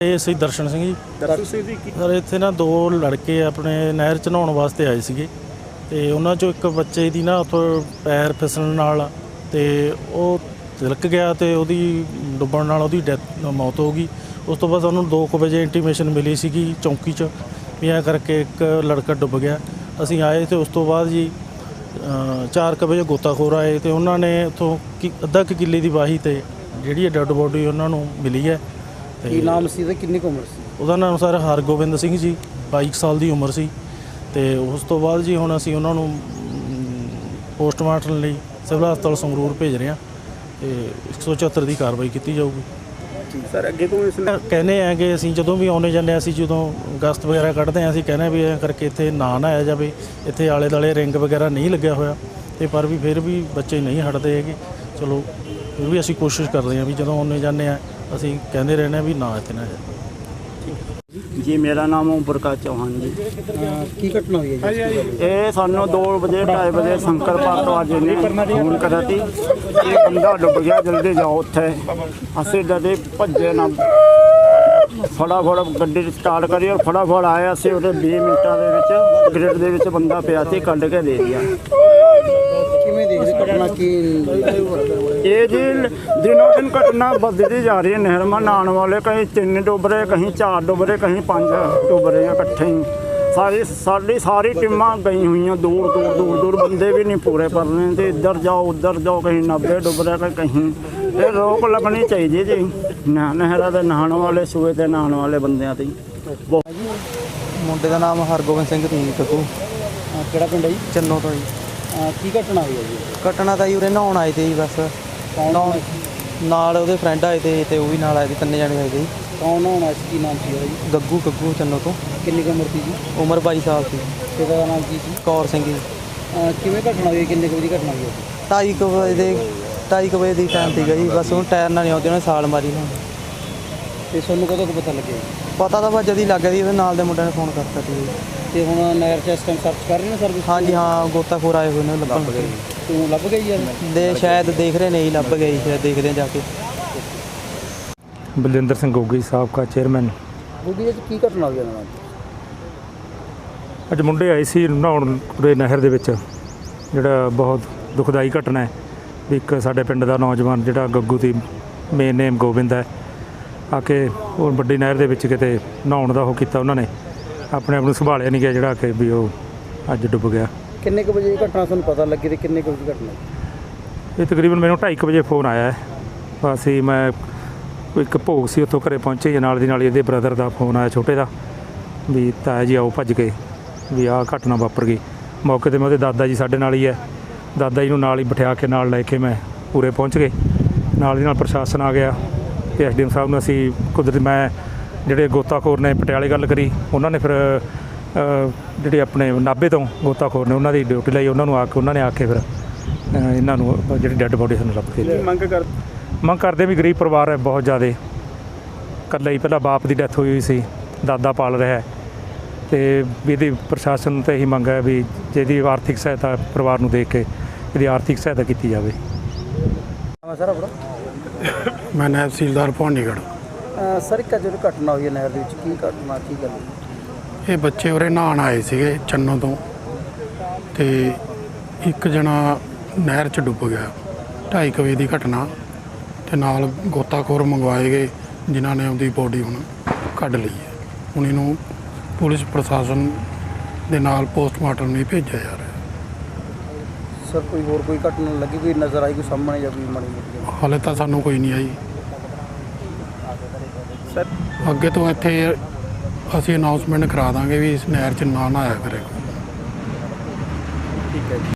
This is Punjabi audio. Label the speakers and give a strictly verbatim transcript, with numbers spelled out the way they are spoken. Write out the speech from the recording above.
Speaker 1: ਇਹ ਅਸੀਂ ਦਰਸ਼ਨ ਸਿੰਘ ਜੀ।
Speaker 2: ਦਰਸ਼ਨ ਸਿੰਘ ਜੀ ਕੀ
Speaker 1: ਸਰ ਇੱਥੇ ਨਾ ਦੋ ਲੜਕੇ ਆਪਣੇ ਨਹਿਰ 'ਚ ਨਹਾਉਣ ਵਾਸਤੇ ਆਏ ਸੀਗੇ ਅਤੇ ਉਹਨਾਂ 'ਚੋਂ ਇੱਕ ਬੱਚੇ ਦੀ ਨਾ ਉੱਥੋਂ ਪੈਰ ਫਿਸਲਣ ਨਾਲ ਅਤੇ ਉਹ ਤਿਲਕ ਗਿਆ ਅਤੇ ਉਹਦੀ ਡੁੱਬਣ ਨਾਲ ਉਹਦੀ ਡੈਥ ਮੌਤ ਹੋ ਗਈ। ਉਸ ਤੋਂ ਬਾਅਦ ਸਾਨੂੰ ਦੋ ਕੁ ਵਜੇ ਇੰਟੀਮੇਸ਼ਨ ਮਿਲੀ ਸੀਗੀ ਚੌਂਕੀ 'ਚ ਵੀ ਐਂ ਕਰਕੇ ਇੱਕ ਲੜਕਾ ਡੁੱਬ ਗਿਆ। ਅਸੀਂ ਆਏ ਅਤੇ ਉਸ ਤੋਂ ਬਾਅਦ ਜੀ ਚਾਰ ਕੁ ਵਜੇ ਗੋਤਾਖੋਰ ਆਏ ਅਤੇ ਉਹਨਾਂ ਨੇ ਉੱਥੋਂ ਕਿ ਅੱਧਾ ਕੁ ਕਿੱਲੇ ਦੀ ਵਾਹੀ 'ਤੇ ਜਿਹੜੀ ਹੈ ਡੈੱਡ ਬੋਡੀ ਉਹਨਾਂ ਨੂੰ ਮਿਲੀ ਹੈ।
Speaker 2: ਕੀ ਨਾਮ ਸੀ ਤੇ ਕਿੰਨੀ ਕੁ ਉਮਰ ਸੀ?
Speaker 1: ਉਹਦਾ ਨਾਮ ਸਰ ਹਰਗੋਬਿੰਦ ਸਿੰਘ ਜੀ, ਬਾਈ ਸਾਲ ਦੀ ਉਮਰ ਸੀ। ਅਤੇ ਉਸ ਤੋਂ ਬਾਅਦ ਜੀ ਹੁਣ ਅਸੀਂ ਉਹਨਾਂ ਨੂੰ ਪੋਸਟਮਾਰਟਮ ਲਈ ਸਿਵਲ ਹਸਪਤਾਲ ਸੰਗਰੂਰ ਭੇਜ ਰਹੇ ਹਾਂ ਅਤੇ ਇੱਕ ਸੌ ਚੁਹੱਤਰ ਦੀ ਕਾਰਵਾਈ ਕੀਤੀ ਜਾਊਗੀ।
Speaker 2: ਸਰ ਅੱਗੇ ਤੋਂ ਇਸ
Speaker 1: ਕਹਿੰਦੇ ਆ ਕਿ ਅਸੀਂ ਜਦੋਂ ਵੀ ਆਉਂਦੇ ਜਾਂਦੇ ਹਾਂ, ਅਸੀਂ ਜਦੋਂ ਗਸਤ ਵਗੈਰਾ ਕੱਢਦੇ ਹਾਂ, ਅਸੀਂ ਕਹਿੰਦੇ ਵੀ ਐਂ ਕਰਕੇ ਇੱਥੇ ਨਾ ਨਹਾਇਆ ਜਾਵੇ। ਇੱਥੇ ਆਲੇ ਦੁਆਲੇ ਰਿੰਗ ਵਗੈਰਾ ਨਹੀਂ ਲੱਗਿਆ ਹੋਇਆ ਅਤੇ ਪਰ ਵੀ ਫਿਰ ਵੀ ਬੱਚੇ ਨਹੀਂ ਹਟਦੇ ਹੈਗੇ। ਚਲੋ ਫਿਰ ਵੀ ਅਸੀਂ ਕੋਸ਼ਿਸ਼ ਕਰਦੇ ਹਾਂ ਵੀ ਜਦੋਂ ਆਉਂਦੇ ਜਾਂਦੇ ਹਾਂ ਅਸੀਂ ਕਹਿੰਦੇ ਰਹਿੰਦੇ ਹਾਂ ਵੀ ਨਾ ਇੱਥੇ ਨਾ
Speaker 3: जी मेरा नाम ओम प्रकाश चौहान जी।
Speaker 2: ਕੀ ਘਟਨਾ ਹੋਈ ਹੈ ਜੀ?
Speaker 3: ये सानू दो बजे ढाई बजे शंकर भारद्वाज ने फोन करा थी ये बंदा डुब गया, जल्दी जाओ उत्थे। असीं जदे भज्जे ना फटाफट गड्डी स्टार्ट करी और फटाफट आए। असीं उहदे बीस मिनटां दे विच ग्रिड दे विच बंदा पिया सी, कढ के दे दिया।
Speaker 2: ਕਿਵੇਂ ਦੇਖਦੇ ਘਟਨਾ ਕੀ?
Speaker 3: ये जी दिनों दिन घटना बढ़ती जा रही है। नहर में नहाने वाले कहीं तीन डुब रहे, कहीं चार डुब रहे, कहीं पाँच डुब रहे हैं इकट्ठे ही। सारी सारी सारी टीमां गई हुई हैं, दूर दूर दूर दूर बंदे भी नहीं पूरे कर रहे हैं। इधर जाओ उधर जाओ, कहीं नब्बे डुब रहे कहीं। ये रोक लगनी चाहिए जी नहर के नहाने वाले सूए के नहाने वाले बंदियां ते।
Speaker 4: ਮੁੰਡੇ ਦਾ ਨਾਮ ਹਰਗੋਬਿੰਦ ਸਿੰਘ ਸੀ ਕੱਕੂ,
Speaker 2: ਕਿਹੜਾ ਪਿੰਡ ਹੈ ਜੀ?
Speaker 4: ਚੰਨੋ ਤੋਂ ਜੀ।
Speaker 2: ਕੀ ਘਟਨਾ ਹੋਈ ਹੈ ਜੀ?
Speaker 4: ਘਟਨਾ ਤਾਂ ਜੀ ਉਰੇ ਨਹਾਉਣ ਆਏ ਤੇ ਜੀ, ਬਸ ਨਹਾਉਣ ਨਾਲ ਉਹਦੇ ਫਰੈਂਡ ਆਏ ਤੇ ਤੇ ਉਹ ਵੀ ਨਾਲ ਆਏ ਤੇ, ਤਿੰਨੇ ਜਣੇ ਆਏ ਤੇ ਜੀ।
Speaker 2: ਕੌਣ ਹੋਣਾ ਸੀ? ਕੀ ਨਾਮ ਸੀ ਉਹਦਾ ਜੀ?
Speaker 4: ਗੱਗੂ ਗੱਗੂ ਚੰਨੋ ਤੋਂ।
Speaker 2: ਕਿੰਨੀ ਕੁ ਉਮਰ ਸੀ ਜੀ?
Speaker 4: ਉਮਰ ਬਾਈ ਸਾਲ ਸੀ।
Speaker 2: ਪਿਤਾ ਦਾ ਨਾਮ ਕੀ ਸੀ?
Speaker 4: ਕੌਰ ਸਿੰਘ ਜੀ।
Speaker 2: ਕਿਵੇਂ ਘਟਨਾ ਹੋਈ? ਕਿੰਨੇ ਕੁ ਵਜੇ ਦੀ ਘਟਨਾ ਹੋਈ ਹੈ?
Speaker 4: ਢਾਈ ਕੁ ਵਜੇ ਦੇ ਢਾਈ ਕੁ ਵਜੇ ਦੀ ਟਾਈਮ ਸੀਗਾ ਜੀ। ਬਸ ਉਹਨੂੰ ਟਾਇਰ ਨਾਲ ਨਹੀਂ ਆਉਂਦੀ, ਉਹਨੇ ਸਾਲ ਮਾਰੀ ਨਾ।
Speaker 2: ਤੇ ਤੁਹਾਨੂੰ ਕਦੋਂ ਕੁ ਪਤਾ ਲੱਗਿਆ ਜੀ?
Speaker 4: ਪਤਾ ਤਾਂ ਬਸ ਜਦ ਹੀ ਲੱਗ ਗਿਆ ਜੀ, ਉਹਦੇ ਨਾਲ ਦੇ ਮੁੰਡਿਆਂ ਨੇ ਫੋਨ ਕਰਤਾ ਸੀ ਜੀ।
Speaker 2: ਤੇ ਹੁਣ ਨਹਿਰ 'ਚ ਇਸ ਟਾਈਮ ਸਰਚ ਕਰ ਰਹੇ ਨੇ ਸਰਵਿਸ?
Speaker 4: ਹਾਂਜੀ ਹਾਂ, ਗੋਤਾਖੋਰ ਆਏ ਹੋਏ ਨੇ ਲੱਭਣ।
Speaker 2: ਤੂੰ ਲੱਭ ਗਈ ਯਾਰ?
Speaker 4: ਦੇ ਸ਼ਾਇਦ ਦੇਖ ਰਹੇ ਨੇ ਜੀ, ਲੱਭ ਗਏ ਜੀ, ਸ਼ਾਇਦ ਦੇਖਦੇ ਆ ਜਾ ਕੇ।
Speaker 5: ਬਲਜਿੰਦਰ ਸਿੰਘ ਗੋਗੀ ਸਾਬਕਾ ਚੇਅਰਮੈਨ।
Speaker 2: ਬੁੱਗੀ ਜੀ ਕੀ ਘਟਨਾ ਹੋਈ ਇਹਨਾਂ ਨਾਲ?
Speaker 5: ਅੱਜ ਮੁੰਡੇ ਆਏ ਸੀ ਨਹਾਉਣ ਉਰੇ ਨਹਿਰ ਦੇ ਵਿੱਚ, ਜਿਹੜਾ ਬਹੁਤ ਦੁਖਦਾਈ ਘਟਨਾ ਹੈ ਵੀ ਇੱਕ ਸਾਡੇ ਪਿੰਡ ਦਾ ਨੌਜਵਾਨ ਜਿਹੜਾ ਗੱਗੂ ਦੀ ਮੇਨ ਨੇਮ ਗੋਬਿੰਦ ਹੈ, ਆ ਕੇ ਉਹ ਵੱਡੀ ਨਹਿਰ ਦੇ ਵਿੱਚ ਕਿਤੇ ਨਹਾਉਣ ਦਾ ਉਹ ਕੀਤਾ। ਉਹਨਾਂ ਨੇ ਆਪਣੇ ਆਪ ਨੂੰ ਸੰਭਾਲਿਆ ਨਹੀਂ ਗਿਆ, ਜਿਹੜਾ ਕਿ ਵੀ ਉਹ ਅੱਜ ਡੁੱਬ ਗਿਆ।
Speaker 2: ਕਿੰਨੇ ਕੁ ਵਜੇ ਇਹ ਘਟਨਾ ਤੁਹਾਨੂੰ ਪਤਾ ਲੱਗੀ ਤੇ ਕਿੰਨੇ ਕੁ ਵਜੇ ਘਟਨਾ?
Speaker 5: ਇਹ ਤਕਰੀਬਨ ਮੈਨੂੰ ਢਾਈ ਕੁ ਵਜੇ ਫੋਨ ਆਇਆ ਹੈ। ਅਸੀਂ ਮੈਂ ਇੱਕ ਭੋਗ ਸੀ, ਉੱਥੋਂ ਘਰੇ ਪਹੁੰਚੇ, ਨਾਲ ਦੀ ਨਾਲ ਇਹਦੇ ਬ੍ਰਦਰ ਦਾ ਫੋਨ ਆਇਆ ਛੋਟੇ ਦਾ ਵੀ ਤਾਇਆ ਜੀ ਆਓ ਭੱਜ ਕੇ ਵੀ ਆਹ ਘਟਨਾ ਵਾਪਰ ਗਈ। ਮੌਕੇ 'ਤੇ ਮੈਂ ਉਹਦੇ ਦਾਦਾ ਜੀ ਸਾਡੇ ਨਾਲ ਹੀ ਹੈ, ਦਾਦਾ ਜੀ ਨੂੰ ਨਾਲ ਹੀ ਬਿਠਾ ਕੇ ਨਾਲ ਲੈ ਕੇ ਮੈਂ ਪੂਰੇ ਪਹੁੰਚ ਗਏ। ਨਾਲ ਦੀ ਨਾਲ ਪ੍ਰਸ਼ਾਸਨ ਆ ਗਿਆ ਅਤੇ ਐਸ ਡੀ ਐਮ ਸਾਹਿਬ ਨੂੰ ਅਸੀਂ ਕੁਦਰਤੀ ਮੈਂ ਜਿਹੜੇ ਗੋਤਾਖੋਰ ਨੇ ਪਟਿਆਲੇ ਗੱਲ ਕਰੀ, ਉਹਨਾਂ ਨੇ ਫਿਰ ਜਿਹੜੇ ਆਪਣੇ ਨਾਭੇ ਤੋਂ ਗੋਤਾਖੋਰ ਨੇ ਉਹਨਾਂ ਦੀ ਡਿਊਟੀ ਲਈ, ਉਹਨਾਂ ਨੂੰ ਆ ਕੇ ਉਹਨਾਂ ਨੇ ਆ ਕੇ ਫਿਰ ਇਹਨਾਂ ਨੂੰ ਜਿਹੜੀ ਡੈੱਡ ਬੋਡੀ ਸਾਨੂੰ ਲੱਭ ਕੇ
Speaker 2: ਮੰਗ ਕਰ
Speaker 5: ਮੰਗ ਕਰਦੇ ਵੀ ਗਰੀਬ ਪਰਿਵਾਰ ਹੈ ਬਹੁਤ ਜ਼ਿਆਦਾ। ਇਕੱਲਾ ਹੀ ਪਹਿਲਾਂ ਬਾਪ ਦੀ ਡੈਥ ਹੋਈ ਹੋਈ ਸੀ, ਦਾਦਾ ਪਾਲ ਰਿਹਾ ਅਤੇ ਵੀ ਇਹਦੀ ਪ੍ਰਸ਼ਾਸਨ ਨੂੰ ਤਾਂ ਇਹੀ ਮੰਗ ਹੈ ਵੀ ਜਿਹਦੀ ਆਰਥਿਕ ਸਹਾਇਤਾ ਪਰਿਵਾਰ ਨੂੰ ਦੇਖ ਕੇ ਇਹਦੀ ਆਰਥਿਕ ਸਹਾਇਤਾ ਕੀਤੀ ਜਾਵੇ।
Speaker 2: ਸਰ ਆਪਣਾ?
Speaker 6: ਮੈਂ ਨਾਇਬ ਤਹਿਸੀਲਦਾਰ ਭਵਾਨੀਗੜ੍ਹ।
Speaker 2: ਸਰ ਇੱਕ ਜਿਹੜੀ ਘਟਨਾ ਹੋਈ ਹੈ ਨਹਿਰ ਦੇ ਵਿੱਚ, ਕੀ ਘਟਨਾ ਕੀ ਗੱਲ?
Speaker 6: ਇਹ ਬੱਚੇ ਉਰੇ ਨਹਾਉਣ ਆਏ ਸੀਗੇ ਚੰਨੋ ਤੋਂ, ਅਤੇ ਇੱਕ ਜਣਾ ਨਹਿਰ 'ਚ ਡੁੱਬ ਗਿਆ। ਢਾਈ ਕੁ ਵਜੇ ਦੀ ਘਟਨਾ, ਅਤੇ ਨਾਲ ਗੋਤਾਖੋਰ ਮੰਗਵਾਏ ਗਏ ਜਿਨ੍ਹਾਂ ਨੇ ਉਹਦੀ ਬੋਡੀ ਹੁਣ ਕੱਢ ਲਈ ਹੈ। ਹੁਣ ਇਹਨੂੰ ਪੁਲਿਸ ਪ੍ਰਸ਼ਾਸਨ ਦੇ ਨਾਲ ਪੋਸਟਮਾਰਟਮ ਲਈ ਭੇਜਿਆ ਜਾ ਰਿਹਾ।
Speaker 2: ਸਰ ਕੋਈ ਹੋਰ ਕੋਈ ਘਟਨਾ ਲੱਗੀ, ਕੋਈ ਨਜ਼ਰ ਆਈ, ਕੋਈ ਸਾਹਮਣੇ ਜਾਂ ਕੋਈ ਮਾੜੀ ਮੋਟੀ?
Speaker 6: ਹਾਲੇ ਤਾਂ ਸਾਨੂੰ ਕੋਈ ਨਹੀਂ ਆਈ
Speaker 2: ਸਰ।
Speaker 6: ਅੱਗੇ ਤੋਂ ਇੱਥੇ ਅਸੀਂ ਅਨਾਊਂਸਮੈਂਟ ਕਰਾ ਦਾਂਗੇ ਵੀ ਇਸ ਨਹਿਰ 'ਚ ਨਾ ਨਹਾਇਆ ਕਰੇ।
Speaker 2: ਠੀਕ ਹੈ ਜੀ।